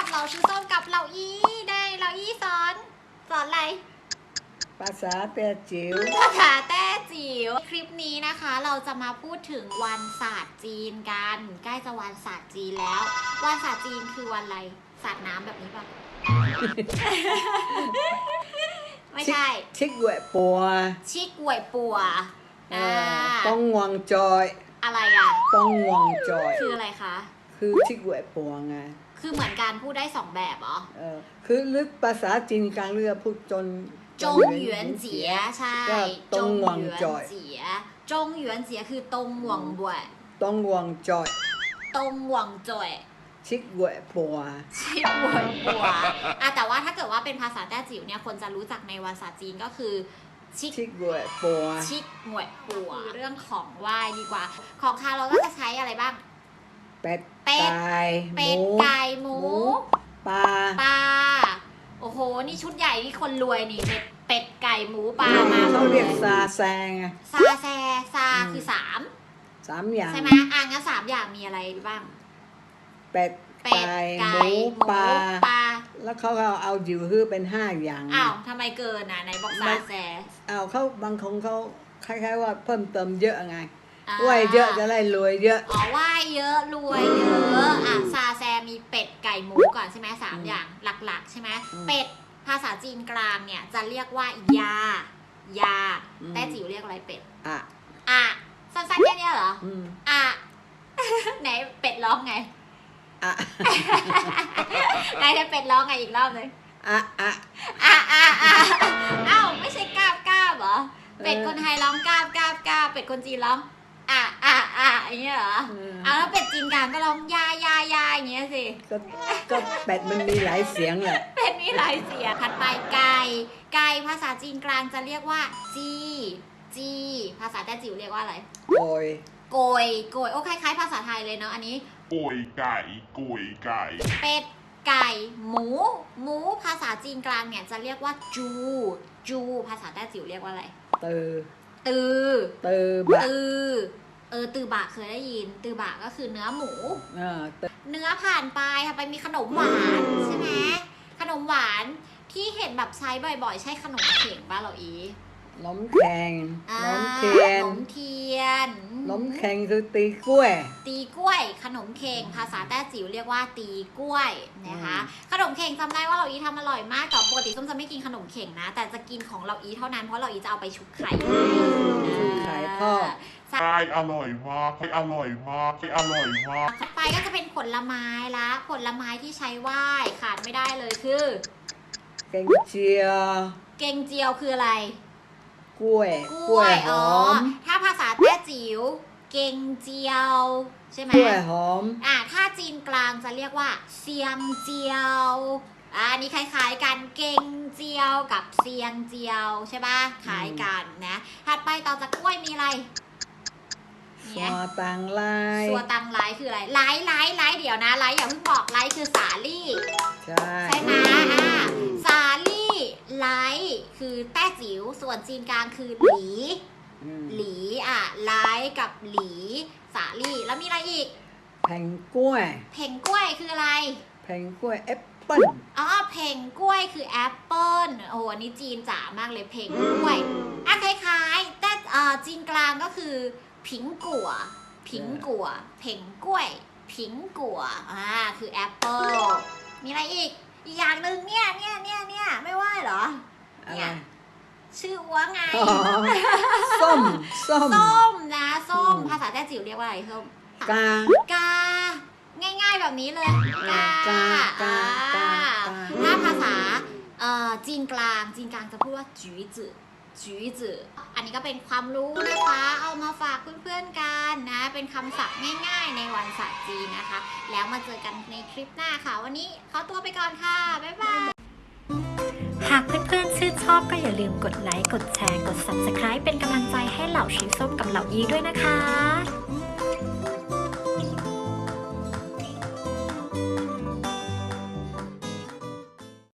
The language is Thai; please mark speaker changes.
Speaker 1: กับเราชื่อส้มกับเราอีได้เราอีสอนอะไร
Speaker 2: ภาษาแต้จิ๋ว
Speaker 1: ภาษาแต้จิ๋วคลิปนี้นะคะเราจะมาพูดถึงวันศาสตร์จีนกันใกล้จะวันศาสตร์จีนแล้ววันศาสตร์จีนคือวันอะไรศาสตร์น้ำแบบนี้ป่ะ ไม่ใช่
Speaker 2: ชิกหวยปัว
Speaker 1: ชิกหวยปัว
Speaker 2: ป้องงวงจอย
Speaker 1: อะไรอ่ะ
Speaker 2: ป้องงวงจอย
Speaker 1: คืออะไรคะ
Speaker 2: คือชิกหวยปัวไง
Speaker 1: คือเหมือนการพูดได้สองแบบเหรอ
Speaker 2: คือลึกภาษาจีนกลางเรือพูดจง
Speaker 1: หยวนเจี๋ยใช่
Speaker 2: จงงวงจอย
Speaker 1: จงหยวนเจี๋ยคือตงหวงบวย
Speaker 2: ตงงวงจอย
Speaker 1: ตงหวงจอย
Speaker 2: ชิกหวยปัว
Speaker 1: ชิกหวยปัวแต่ว่าถ้าเกิดว่าเป็นภาษาแต้จิ๋วเนี่ยคนจะรู้จักในภาษาจีนก็คือ
Speaker 2: ชิกหวยปัว
Speaker 1: ชิกหวยปัวเรื่องของไหว้ดีกว่าของคาวเราก็จะใช้อะไรบ้าง
Speaker 2: เป็ดไ
Speaker 1: ก่หมู
Speaker 2: ปลา
Speaker 1: โอ้โหนี่ชุดใหญ่นี่คนรวยนี่เป็ดไก่หมูปลามา
Speaker 2: เขาเรียกซาแซง
Speaker 1: ซคือสาม
Speaker 2: อย่าง
Speaker 1: ใช่ไหมงั้น3 อย่างมีอะไรบ้าง
Speaker 2: เป็ดไก่หมูปลาแล้วเขาเอาอยู่ฮื้อเป็น5 อย่าง
Speaker 1: ทำไมเกินไหนบอกซาแซ
Speaker 2: เขาบางคนเขาคล้ายๆว่าเพิ่มเติมเยอะไงไหวเยอะจะได้รวยเยอะ
Speaker 1: ไหวเยอะรวยเยอะซาแซมีเป็ดไก่หมูก่อนใช่ไหม3 อย่างหลักๆใช่ไหมเป็ดภาษาจีนกลางเนี่ยจะเรียกว่ายาแต่จิ๋วเรียกอะไรเป็ดสั้นๆแค่นี้เหรอไหนเป็ดร้องไงไหนจะเป็ดร้องไงอีกรอบเลยไม่ใช่กาบเหรอเป็ดคนไทยร้องกาบเป็ดคนจีนร้องอย่างเงี้ยเหรอแล้วเป็ดจีนกลางก็ร้องยาอย่างเงี้ยสิ
Speaker 2: ก็เป็ดมันมีหลายเสียงแหละ
Speaker 1: เป็ดมีหลายเสียงถัดไปไก่ภาษาจีนกลางจะเรียกว่าจีภาษาแต้จิ๋วเรียกว่าอะไรโกยโอ้คล้ายๆภาษาไทยเลยเนาะอันนี้
Speaker 3: โกยไก่
Speaker 1: เป็ดไก่หมูภาษาจีนกลางเนี่ยจะเรียกว่าจูภาษาแต้จิ๋วเรียกว่าอะไรตือบะเคยได้ยินตือบะก็คือเนื้อหมูเนื้อผ่านไปค่ะไปมีขนมหวานใช่ไหมขนมหวานที่เห็นแบบใช้บ่อยๆใช่ขนมเข่งป่ะเหรออี
Speaker 2: นมแข็งนมเทียนนมแข็งคือตีกล้วย
Speaker 1: ขนมเข่งภาษาแต้จิ๋วเรียกว่าตีกล้วยนะคะขนมเข่งจำได้ว่าเราอีทำอร่อยมากแต่ปกติส้มจะไม่กินขนมเข่งนะแต่จะกินของเราอีเท่านั้นเพราะเราอีจะเอาไปชุบไข่
Speaker 2: ทอด
Speaker 3: อร่อยมาก
Speaker 1: ไปก็จะเป็นผลไม้ละผลไม้ที่ใช้ไหว้ขาดไม่ได้เลยคือ
Speaker 2: เกงเจี
Speaker 1: ยวคืออะไร
Speaker 2: กล้วยหอม
Speaker 1: ถ้าภาษาแต้จิ๋วเกงเจียวใช่ไหม
Speaker 2: กล้วยหอม
Speaker 1: ถ้าจีนกลางจะเรียกว่าเซียงเจียวอันนี้คล้ายๆกันเกงเจียวกับเซียงเจียวใช่ป่ะคล้ายกันนะถัดไปต่อจากกล้วยมีอะไร
Speaker 2: สัวตังไล
Speaker 1: คืออะไรไลเดี๋ยวนะไลอย่าเพิ่งบอกไลคือสาลี่ใช่ไหมสาลี่ไลคือแต้จิ๋วส่วนจีนกลางคือหลีไลกับหลีสาลี่แล้วมีอะไรอีก
Speaker 2: แผงกล้
Speaker 1: วยคืออะไร
Speaker 2: แผงกล้วยแอปเปิ้ล
Speaker 1: แผงกล้วยคือแอปเปิ้ลโอ้อันนี้จีนจ๋ามากเลยแผงกล้วยคล้ายๆแต่จีนกลางก็คือผิงกัวเพ่งกล้วยผิงกัวคือแอปเปิ้ลมีอะไรอีกอย่างหนึ่งเนี่ยไม่ว่าเหรอเนี่ยชื่อว่าไง
Speaker 2: ส้ม
Speaker 1: นะส้มภาษาแต้จิ๋วเรียกว่าอะไรส้มกาง่ายๆแบบนี้เลยกาถ้าภาษาจีนกลางจะพูดว่าจื้ออันนี้ก็เป็นความรู้นะคะเอามาฝากเพื่อนๆกันนะเป็นคำศัพท์ง่ายๆในวันศาสตร์จีนนะคะแล้วมาเจอกันในคลิปหน้าค่ะวันนี้ขอตัวไปก่อนค่ะบ๊ายบาย
Speaker 4: หากเพื่อนๆชื่นชอบก็อย่าลืมกดไลค์กดแชร์กด Subscribe เป็นกำลังใจให้เหล่าชีส้มกับเหล่ายีด้วยนะคะ